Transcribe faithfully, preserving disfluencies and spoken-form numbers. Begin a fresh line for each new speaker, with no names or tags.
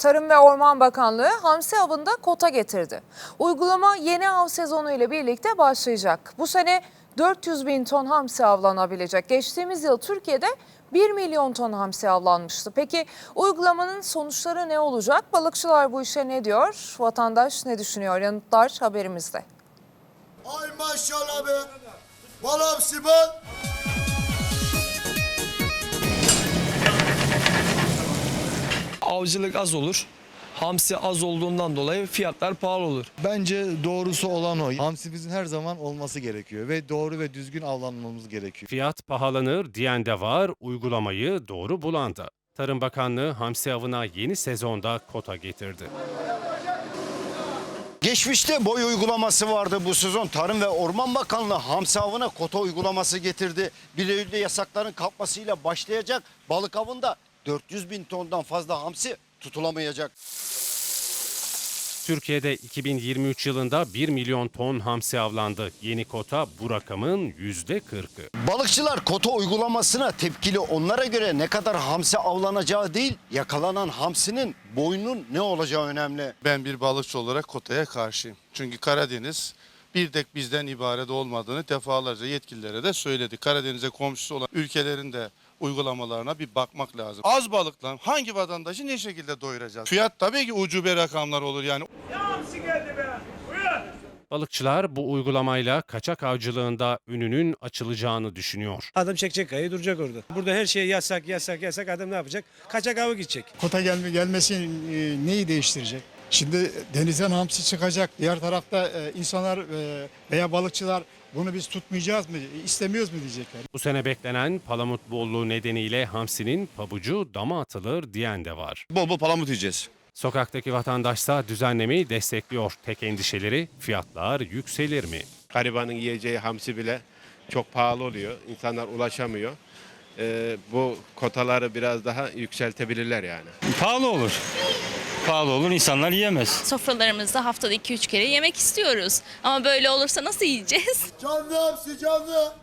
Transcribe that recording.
Tarım ve Orman Bakanlığı hamsi avında kota getirdi. Uygulama yeni av sezonu ile birlikte başlayacak. Bu sene dört yüz bin ton hamsi avlanabilecek. Geçtiğimiz yıl Türkiye'de bir milyon ton hamsi avlanmıştı. Peki uygulamanın sonuçları ne olacak? Balıkçılar bu işe ne diyor? Vatandaş ne düşünüyor? Yanıtlar haberimizde.
Ay maşallah be. Bal hamsi bal.
Avcılık az olur. Hamsi az olduğundan dolayı fiyatlar pahalı olur.
Bence doğrusu olan o. Hamsimizin her zaman olması gerekiyor ve doğru ve düzgün avlanmamız gerekiyor.
Fiyat pahalanır diyen de var, uygulamayı doğru bulan da. Tarım Bakanlığı hamsi avına yeni sezonda kota getirdi.
Geçmişte boy uygulaması vardı bu sezon. Tarım ve Orman Bakanlığı hamsi avına kota uygulaması getirdi. bir Eylül'de yasakların kalkmasıyla başlayacak balık avında dört yüz bin tondan fazla hamsi tutulamayacak.
Türkiye'de iki bin yirmi üç yılında bir milyon ton hamsi avlandı. Yeni kota bu rakamın yüzde kırkı.
Balıkçılar kota uygulamasına tepkili. Onlara göre ne kadar hamsi avlanacağı değil, yakalanan hamsinin boyunun ne olacağı önemli.
Ben bir balıkçı olarak kotaya karşıyım. Çünkü Karadeniz bir tek bizden ibaret olmadığını defalarca yetkililere de söyledi. Karadeniz'e komşusu olan ülkelerin de uygulamalarına bir bakmak lazım. Az balıkla hangi vatandaşı ne şekilde doyuracağız? Fiyat tabii ki ucube rakamlar olur yani.
Balıkçılar bu uygulamayla kaçak avcılığında önünün açılacağını düşünüyor.
Adam çekecek kayayı duracak orada. Burada her şey yasak yasak yasak, adam ne yapacak? Kaçak avı gidecek.
Kota gelme, gelmesi e, neyi değiştirecek? Şimdi denizden hamsi çıkacak. Diğer tarafta e, insanlar e, veya balıkçılar bunu biz tutmayacağız mı, istemiyoruz mu diyecekler.
Bu sene beklenen palamut bolluğu nedeniyle hamsinin pabucu dama atılır diyen de var.
Bol bol palamut yiyeceğiz.
Sokaktaki vatandaşsa düzenlemeyi destekliyor. Tek endişeleri fiyatlar yükselir mi?
Garibanın yiyeceği hamsi bile çok pahalı oluyor. İnsanlar ulaşamıyor. Ee, bu kotaları biraz daha yükseltebilirler yani.
Pahalı olur. Pahalı olur, insanlar yiyemez.
Sofralarımızda haftada iki üç kere yemek istiyoruz. Ama böyle olursa nasıl yiyeceğiz?
Canlı hamsi canlı.